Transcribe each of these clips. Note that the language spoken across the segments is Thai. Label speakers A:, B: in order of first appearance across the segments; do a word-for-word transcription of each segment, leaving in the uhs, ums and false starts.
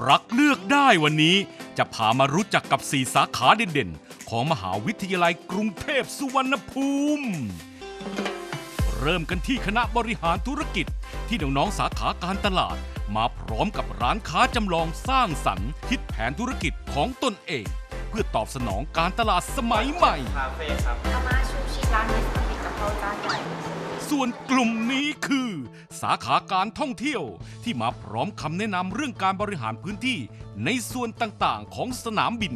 A: รักเลือกได้วันนี้จะพามารู้จักกับสี่สาขาเด่นๆของมหาวิทยาลัยกรุงเทพสุวรรณภูมิ เริ่มกันที่คณะบริหารธุรกิจที่น้องๆสาขาการตลาดมาพร้อมกับร้านค้าจำลองสร้างสรรค์คิดแผนธุรกิจของตนเองเพื่อตอบสนองการตลาดสมัยใหม่
B: คาเฟ่ครับ
C: อาม่าชูชีร้านนี้สติกกับเขาจานใหญ่
A: ส่วนกลุ่มนี้คือ สาขาการท่องเที่ยวที่มาพร้อมคำแนะนำเรื่องการบริหารพื้นที่ในส่วนต่างๆของสนามบิน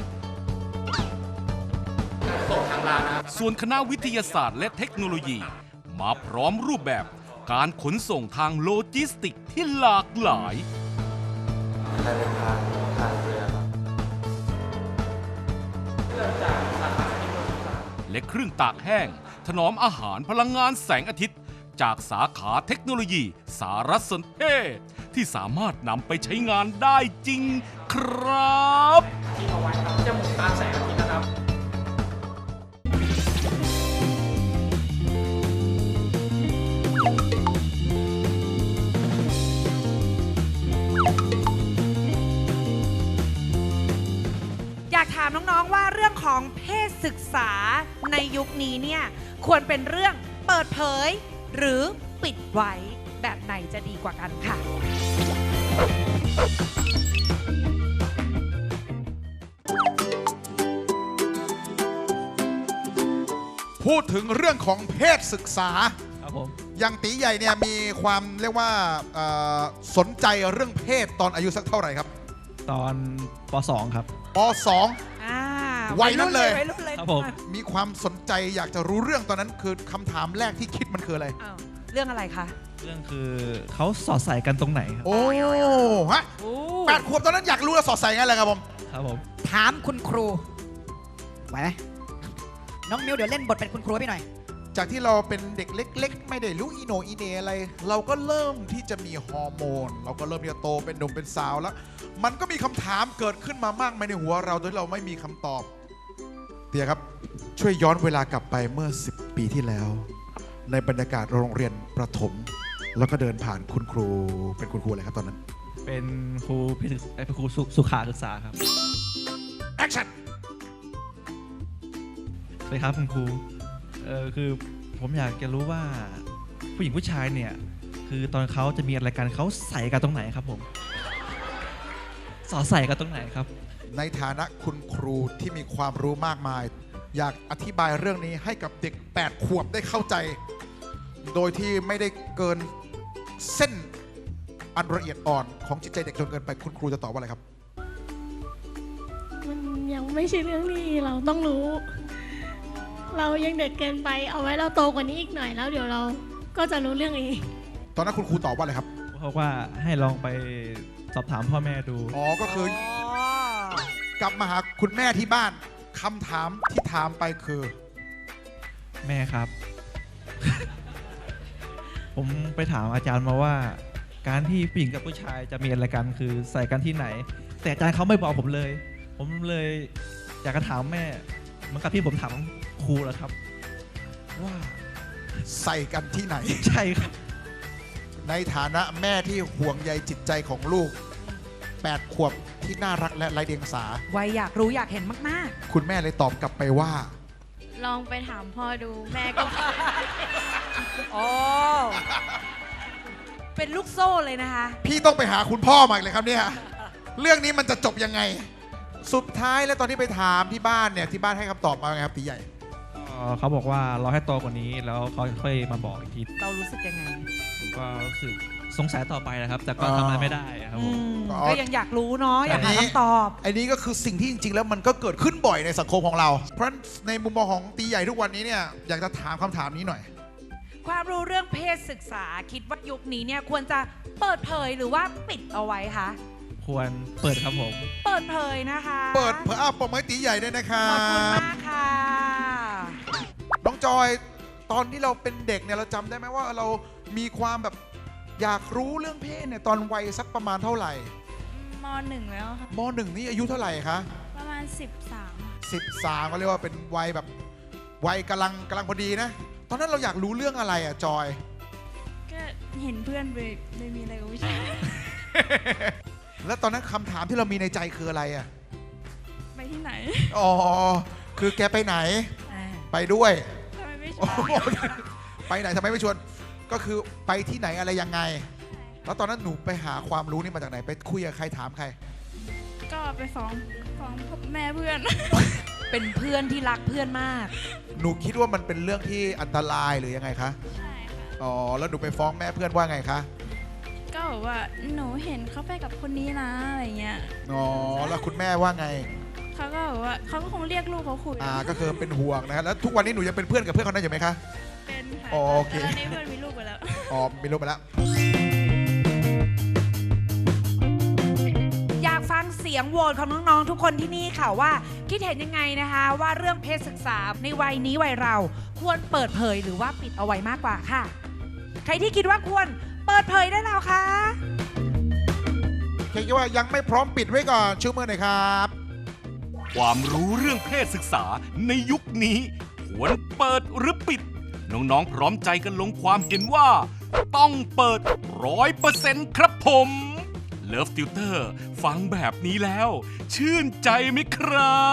B: ส่งทางร้านนะครับ
A: ส่วนคณะวิทยาศาสตร์และเทคโนโลยี มาพร้อมรูปแบบการขนส่งทางโลจิสติกที่หลากหลาย
B: การเดินทางทางเรือครับเริ่มจากสาขาเทคโนโลยีครับ
A: และเครื่องตากแห้ง ถนอมอาหารพลังงานแสงอาทิตย์ จากสาขาเทคโนโลยีสารสนเทศที่สามารถนำไปใช้งานได้จริงครับ
B: ที่เอาไว้ครับจะหมุนตามแสงอาทิตย์นะครับ
D: อยากถามน้องๆว่าเรื่องของเพศศึกษาในยุคนี้เนี่ยควรเป็นเรื่องเปิดเผยหรือปิดไว้แบบไหนจะดีกว่ากันค่ะ
E: พูดถึงเรื่องของเพศศึกษา
F: ครับผม
E: อย่างตีใหญ่เนี่ยมีความเรียกว่าเอ่อสนใจเรื่องเพศตอนอายุสักเท่าไหร่ครับ
F: ตอนป สอง ครับ
E: ป สอง
D: อ่า
E: วัยนั้นเลย
D: วัยรุ่นเลย
F: ครับผม
E: มีความสนใจอยากจะรู้เรื่องตอนนั้นคือคำถามแรกที่คิดมันคืออะไร
D: อ้าวเรื่องอะไรคะ
F: เรื่องคือเขาสอดใส่กันตรงไหนครับ
E: โอ้ฮะ
D: โอ้
E: แปดขวบตอนนั้นอยากรู้แล้วสอดใส่ไงเลยครับผม
F: ครับผม
G: ถามคุณครูไหวไหมน้องมิวเดี๋ยวเล่นบทเป็นคุณครูให้พี่หน่อย
E: จากที่เราเป็นเด็กเล็ก ๆ ไม่ได้รู้อีโหนอีเหนอะไร เราก็เริ่มที่จะมีฮอร์โมน เราก็เริ่มที่จะโตเป็นหนุ่มเป็นสาวแล้ว มันก็มีคำถามเกิดขึ้นมามากมายในหัวเราโดยเราไม่มีคำตอบเตียครับ ช่วยย้อนเวลากลับไปเมื่อสิบปีที่แล้ว ในบรรยากาศโรงเรียนประถม แล้วก็เดินผ่านคุณครูเป็นคุณครูอะไรครับตอนนั้น
F: เป็นครูพิศึกเอ้ยเป็นครูสุสุขาศึกษาครับ
E: แอคชั่น
F: สวัสดีครับคุณครูเออคือผมอยากจะรู้ว่าผู้หญิงผู้ชายเนี่ยคือตอนเขาจะมีอะไรกันเขาใส่กันตรงไหนครับผมสอดใส่กันตรงไหนครับ
E: ในฐานะคุณครูที่มีความรู้มากมาย อยากอธิบายเรื่องนี้ให้กับเด็กแปดขวบได้เข้าใจ โดยที่ไม่ได้เกินเส้นอันละเอียดอ่อนของจิตใจเด็กจนเกินไปคุณครูจะตอบว่าอะไรครับ
H: มันยังไม่ใช่เรื่องที่เราต้องรู้ เรายังเด็กเกินไป เอาไว้เราโตกว่านี้อีกหน่อยแล้วเดี๋ยวเราก็จะรู้เรื่องเอง
E: ตอนนั้นคุณครูตอบว่าอะไรครับ
F: เขาบอกว่าให้ลองไปสอบถามพ่อแม่ดู
E: อ๋อ ก็คือ
D: อ๋อ
E: กลับมาหาคุณแม่ที่บ้านคำถามที่ถามไปคือ
F: แม่ครับ ผมไปถามอาจารย์มาว่า การที่ผู้หญิงกับผู้ชายจะมีอะไรกันคือใส่กันที่ไหน แต่อาจารย์เขาไม่บอกผมเลย ผมเลยอยากจะถามแม่เหมือนกับที่ผมถามครูแหละครับ ว่า
E: ใส่กันที่ไหน
F: ใช่ครับ
E: ในฐานะแม่ที่ห่วงใยจิตใจของลูกแปดขวบที่น่ารักและไร้เดียงสา
D: วัยอยากรู้อยากเห็นมาก
E: คุณแม่เลยตอบกลับไปว่า
H: ลองไปถามพ่อดูแม่ก็
D: ๆอ๋อเป็นลูกโซ่เลยนะคะ
E: พี่ต้องไปหาคุณพ่อมาอีกเลยครับเนี่ย เรื่องนี้มันจะจบยังไง สุดท้ายแล้วตอนที่ไปถามที่บ้านเนี่ยที่บ้านให้คำตอบมาไงครับตีใหญ่
F: เอ่อเขาบอกว่ารอให้โตกว่านี้แล้วเขาค่อยมาบอกอีกที
D: เรารู้สึกยังไง
F: ผมก็รู้สึกสงสัยต่อไปนะครับ แต่ก็
E: อ๋อ
F: ทำอะไรไม่ได้ครับ
D: อื
F: ผม
D: ม
E: อ๋อ
D: ก็ยังอยากรู้เนาะอยากหาคำตอบ
E: ไอ้นี้ก็คือสิ่งที่จริง ๆ แล้วมันก็เกิดขึ้นบ่อยในสังคมของเรา เพราะฉะนั้นในมุมมองของตีใหญ่ทุกวันนี้เนี่ยอยากจะถามคำถามนี้หน่อย
D: ความรู้เรื่องเพศศึกษาคิดว่ายุคนี้เนี่ยควรจะเปิดเผยหรือว่าปิดเอาไว้คะ
F: ควรเปิดครับผม
D: เปิดเผยนะคะ
E: เปิดเผยอ่ะปมให้ตีใหญ่ด้วยนะครั
D: ขอบคุณ
E: บ
D: มากค่ะ
E: น้องจอยตอนที่เราเป็นเด็กเนี่ยเราจำได้ไหมว่าเรามีความแบบอยากรู้เรื่องเพศเนี่ยตอนวัยสักประมาณเท่าไหร่
H: มหนึ่งแล้วค่ะ
E: มหนึ่งนี่อายุเท่าไหร่คะ
H: ประมาณสิบสาม
E: สิบสามก็เรียกว่าเป็นวัยแบบวัยกำลังกำลังพอดีนะ ตอนนั้นเราอยากรู้เรื่องอะไรอ่ะจอย
H: ก็เห็นเพื่อนไปเลยมีอะไรกับผู้ชาย
E: แล้วตอนนั้นคำถามที่เรามีในใจคืออะไรอ่ะ
H: ไปที่ไหน
E: อ๋อ คือแกไปไหน ไปด้วย
H: ทำไมไม่ช
E: โอ้
H: วน
E: โหไปไหนทำไมไม่ชวน ก็คือไปที่ไหนอะไรยังไง แล้วตอนนั้นหนูไปหาความรู้นี่มาจากไหน ไปคุยกับใครถามใคร
H: ก็ไปฟ้องฟ้องแม่เพื่อน
D: เป็นเพื่อนที่รักเพื่อนมาก
E: หนูคิดว่ามันเป็นเรื่องที่อันตรายหรือยังไงคะ
H: ใช่ค่ะ
E: อ๋อ แล้วหนูไปฟ้องแม่เพื่อนว่าไงคะ
H: ก็บอกว่าหนูเห็นเขาไปกับคนนี้นะอะไรเงี้ย
E: อ๋อ แล้วคุณแม่ว่าไง
H: เขาก็บอกว่าเขาก็คงเรียกลูกเขาคุย
E: อ่า ก็คือเป็นห่วงนะ แล้วทุกวันนี้หนูยังเป็นเพื่อนกับเพื่อนคนนั้นอยู่ไหมคะ
H: เป็นค่ะ
E: โอเค
H: แต่ตอนนี้เพื่อนมีลูกไปแล้ว
E: อ๋อ มีลูกไปแล้ว
D: อยากฟังเสียงโหวตของน้องๆทุกคนที่นี่ค่ะว่าคิดเห็นยังไงนะคะ ว่าเรื่องเพศศึกษาในวัยนี้วัยเราควรเปิดเผยหรือว่าปิดเอาไว้มากกว่าค่ะ ใครที่คิดว่าควรเปิดเผยได้แล้วคะ
E: ใครคิดว่ายังไม่พร้อมปิดไว้ก่อนชูมือหน่อยครับ
A: ความรู้เรื่องเพศศึกษาในยุคนี้ควรเปิดหรือปิด น้องๆพร้อมใจกันลงความเห็นว่า ต้องเปิดร้อยเปอร์เซ็นต์ครับผมเลิฟติวเตอร์ฟังแบบนี้แล้ว ชื่นใจไหมครับ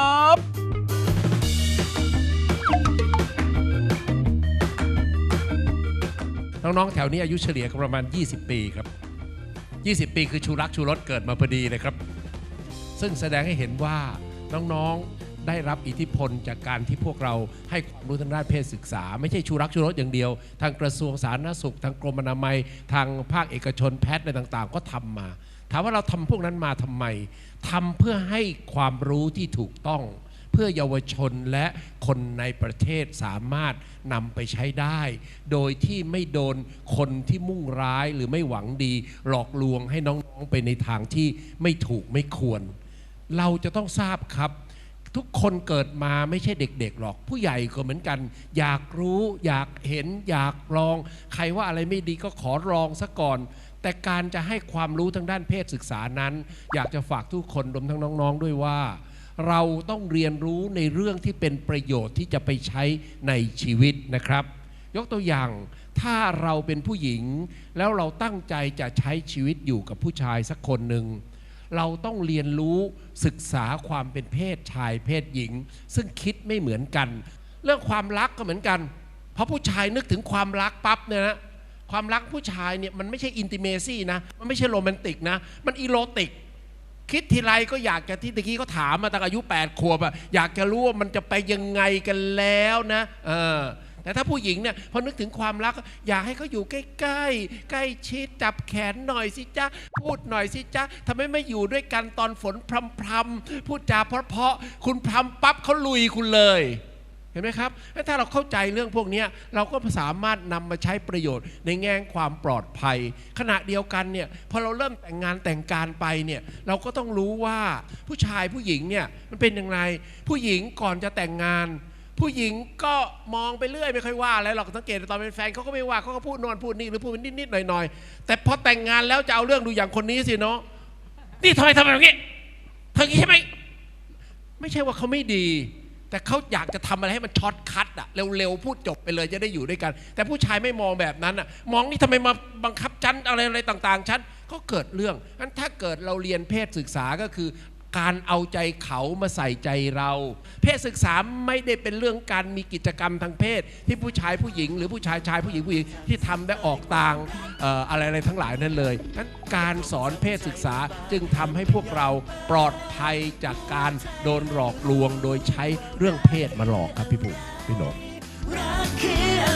I: น้องๆแถวนี้อายุเฉลี่ยก็ประมาณ ยี่สิบ ปีครับ ยี่สิบ ปีคือชูรักชูรสเกิดมาพอดีเลยครับ ซึ่งแสดงให้เห็นว่าน้องๆได้รับอิทธิพลจากการที่พวกเราให้ความรู้ทางด้านเพศศึกษา ไม่ใช่ชูรักชูรสอย่างเดียว ทางกระทรวงสาธารณสุขทางกรมอนามัยทางภาคเอกชนแพทย์อะไรต่างๆ ก็ทำมา ถามว่าเราทำพวกนั้นมาทำไมทำเพื่อให้ความรู้ที่ถูกต้อง เพื่อเยาวชนและคนในประเทศสามารถนำไปใช้ได้ โดยที่ไม่โดนคนที่มุ่งร้ายหรือไม่หวังดี หลอกลวงให้น้องๆไปในทางที่ไม่ถูกไม่ควร เราจะต้องทราบครับ ทุกคนเกิดมาไม่ใช่เด็กๆหรอก ผู้ใหญ่ก็เหมือนกัน อยากรู้อยากเห็นอยากลอง ใครว่าอะไรไม่ดีก็ขอลองซะก่อน แต่การจะให้ความรู้ทางด้านเพศศึกษานั้น อยากจะฝากทุกคนรวมทั้งน้องๆด้วยว่า เราต้องเรียนรู้ในเรื่องที่เป็นประโยชน์ที่จะไปใช้ในชีวิตนะครับ ยกตัวอย่างถ้าเราเป็นผู้หญิงแล้วเราตั้งใจจะใช้ชีวิตอยู่กับผู้ชายสักคนหนึ่งเราต้องเรียนรู้ศึกษาความเป็นเพศชายเพศหญิง ซึ่งคิดไม่เหมือนกัน เรื่องความรักก็เหมือนกันเพราะผู้ชายนึกถึงความรักปั๊บเนี่ยนะความรักผู้ชายเนี่ยมันไม่ใช่อินติเมซี่นะมันไม่ใช่โรแมนติกนะมันอีโรติกคิดทีไรก็อยากจะที่ตะกี้เขาถามมาตั้งอายุแปดขวบอะอยากจะรู้ว่ามันจะไปยังไงกันแล้วนะเออแต่ถ้าผู้หญิงเนี่ยพอนึกถึงความรักอยากให้เขาอยู่ใกล้ๆใกล้ชิดจับแขนหน่อยสิจ๊ะพูดหน่อยสิจ๊ะทำไมไม่อยู่ด้วยกันตอนฝนพรำๆพูดจาเพราะๆคุณพรำปั๊บเขาลุยคุณเลยเห็นไหมครับถ้าเราเข้าใจเรื่องพวกนี้เราก็สามารถนำมาใช้ประโยชน์ในแง่ความปลอดภัยขณะเดียวกันเนี่ยพอเราเริ่มแต่งงานแต่งการไปเนี่ยเราก็ต้องรู้ว่าผู้ชายผู้หญิงเนี่ยมันเป็นอย่างไรผู้หญิงก่อนจะแต่งงานผู้หญิงก็มองไปเรื่อยไม่ค่อยว่าอะไรหรอกสังเกตตอนเป็นแฟนเขาก็ไม่ว่าเขาก็พูดนอนพูดนี่หรือพูดนิดๆหน่อยๆแต่พอแต่งงานแล้วจะเอาเรื่องดูอย่างคนนี้สิเนาะนี่ทำไมทำแบบนี้ทำอย่างนี้ใช่ไหมไม่ใช่ว่าเขาไม่ดีแต่เขาอยากจะทำอะไรให้มันช็อตคัทอะเร็วๆพูดจบไปเลยจะได้อยู่ด้วยกันแต่ผู้ชายไม่มองแบบนั้นอะมองนี่ทำไมมาบังคับฉันอะไรอะไรต่างๆฉันก็เกิดเรื่องงั้นถ้าเกิดเราเรียนเพศศึกษาก็คือการเอาใจเขามาใส่ใจเราเพศศึกษาไม่ได้เป็นเรื่องการมีกิจกรรมทางเพศที่ผู้ชายผู้หญิงหรือผู้ชายชายผู้หญิงผู้หญิงที่ทำได้ออกต่างเอ่ออะไรอะไรทั้งหลายนั่นเลยงั้นการสอนเพศศึกษาจึงทำให้พวกเราปลอดภัยจากการโดนหลอกลวงโดยใช้เรื่องเพศมาหลอกครับพี่ผู้พี่หนง
J: รักคือ